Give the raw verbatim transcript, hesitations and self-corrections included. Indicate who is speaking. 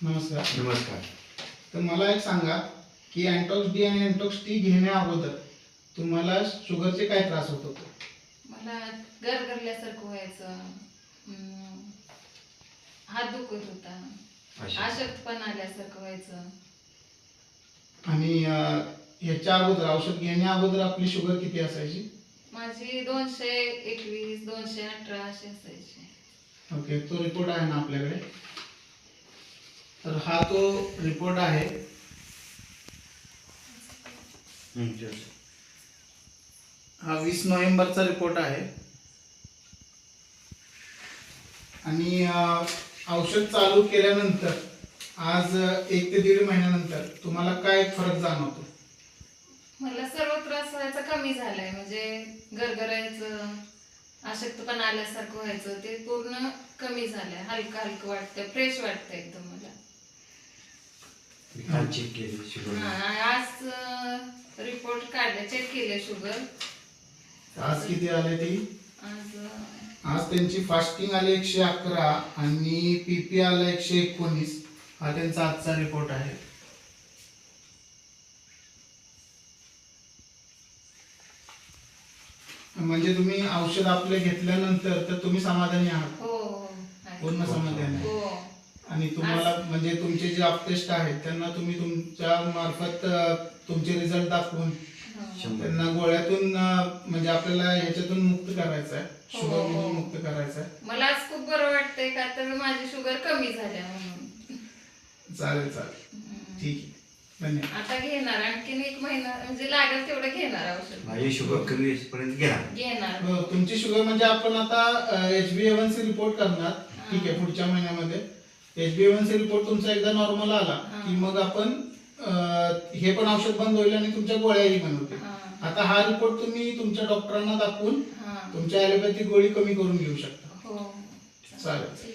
Speaker 1: नमस्कार.
Speaker 2: नमस्कार.
Speaker 1: तर मला एक सांगा की अँटॉक्स डी आणि अँटॉक्स टी घेण्या अगोदर तुम्हाला शुगरचे काय त्रास होत होते?
Speaker 3: मला गरगरल्यासारखं व्हायचं, हम्म, हात दुखत होता,
Speaker 2: अशा.
Speaker 3: अशक्तपणा आल्यासारखं व्हायचं.
Speaker 1: आणि अं, ह्याच्या अगोदर औषध घेण्या अगोदर आपली शुगर किती असायची?
Speaker 3: माझी दोनशे एकवीस दोनशे अठरा अशी असायची.
Speaker 1: ओके, तो रिपोर्ट आहे ना आपल्याकडे? तर हा तो रिपोर्ट आहे.
Speaker 2: हं, तेच.
Speaker 1: हा वीस नोव्हेंबरचा रिपोर्ट आहे. आणि अं, औषध चालू केल्यानंतर आज अं, एक ते दीड महिन्यानंतर तुम्हाला काय फरक जाणवतो?
Speaker 3: मला सर्व त्रास व्हायचा कमी झालाय, म्हणजे गरगरायचं, अशक्तपणा आल्यासारखं व्हायचं ते पूर्ण कमी झालंय. हलकं हलकं वाटतंय, फ्रेश वाटतंय एकदम मला.
Speaker 2: मी काल चेक केली शुगर.
Speaker 3: हा, आज रिपोर्ट काढले, चेक केले शुगर.
Speaker 1: आज किती आले ती?
Speaker 3: आज अं,
Speaker 1: आज त्यांची फास्टिंग आली एकशे अकरा आणि पीपी आला एकशे एकोणीस. हा त्यांचा आजचा रिपोर्ट आहे. म्हणजे तुम्ही औषध आपले घेतल्यानंतर तर तुम्ही समाधानी आहात?
Speaker 3: हो हो आहे.
Speaker 1: पूर्ण समाधानी आहे.
Speaker 3: हो.
Speaker 1: आणि तुम्हाला म्हणजे तुमचे जे अपटेस्ट आहेत त्यांना तुम्ही तुमच्या मार्फत अ, तुमचे रिझल्ट दाखवून
Speaker 3: हो.
Speaker 1: त्यांना गोळ्यातून अ, म्हणजे आपल्याला ह्याच्यातून मुक्त करायचं आहे,
Speaker 3: हो,
Speaker 1: शुगर
Speaker 3: हो.
Speaker 1: मधून मुक्त करायचं आहे.
Speaker 3: मला आज खूप बरं वाटतंय का तर माझी शुगर कमी झाल्या म्हणून.
Speaker 1: चालेल चालेल,
Speaker 3: हम्म.
Speaker 1: ठीक आहे, धन्यवाद.
Speaker 3: आता घेणार आणखीन एक महिना, म्हणजे लागेल तेवढं घेणार औषध.
Speaker 2: माझी शुगर कमी होईपर्यंत घ्या.
Speaker 3: घेणार.
Speaker 1: हो, तुमची शुगर म्हणजे आपण आता H B A one C report करणार. ठीक आहे, पुढच्या महिन्यामध्ये H B A one C report तुमचा एकदा नॉर्मल आला की मग आपण अ, हे पण औषध बंद होईल आणि तुमच्या गोळ्याही बंद होतील.
Speaker 3: हा.
Speaker 1: आता हा रिपोर्ट तुम्ही तुमच्या डॉक्टरांना दाखवून
Speaker 3: हा.
Speaker 1: तुमच्या ॲलोपॅथिक गोळी कमी करून घेऊ शकता.
Speaker 3: हो.
Speaker 1: चालेल.